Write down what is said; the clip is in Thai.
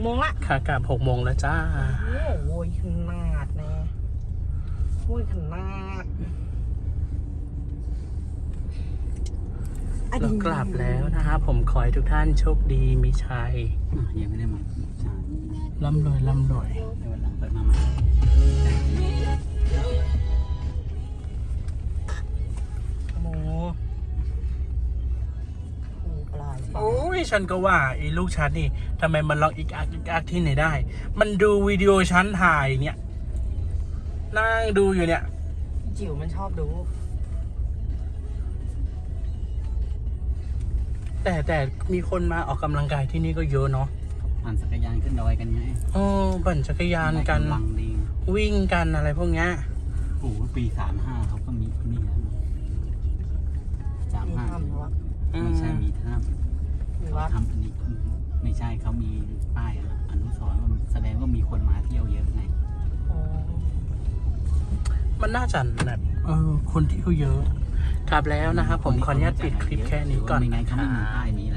โมงละขากลับ6 โมงแล้วจ้าโอ้ยขนาดแน่โอ้ยขนาดเรากลับแล้วนะครับผมขอให้ทุกท่านโชคดีมีชัยยังไม่ได้มาใช่ร่ำรวยร่ำรวยเดี๋ยววันหลังเปิดมาใหม่โมโอ้ปลายฟ้าโอ้ยฉันก็ว่าไอ้ลูกฉันนี่ทำไมมันร้องอีกอักที่ไหนได้ มันดูวิดีโอฉันถ่ายเนี่ยนั่งดูอยู่เนี่ยจิ๋วมันชอบดูแต่มีคนมาออกกำลังกายที่นี่ก็เยอะเนาะปั่นจักรยานขึ้นดอยกันไงโอ้ปั่นจักรยานกันกำลังดีวิ่งกันอะไรพวกเนี้ยโอ้โหปี35เขาก็มีนี่แล้วนะมีถ้ำแล้วอะไม่ใช่มีถ้มีำวัดทำอันนี้ไม่ใช่เขามีป้ายอนุสรณ์ว่าแสดงว่ามีคนมาเที่ยวเยอะไงอ๋อมันน่าจะแบบคนที่เขาเยอะกลับแล้วนะครับผมขออนุญาตปิดคลิปแค่นี้ก่อนไม่งั้นะนคเขารัไม่มีป้ายบนี้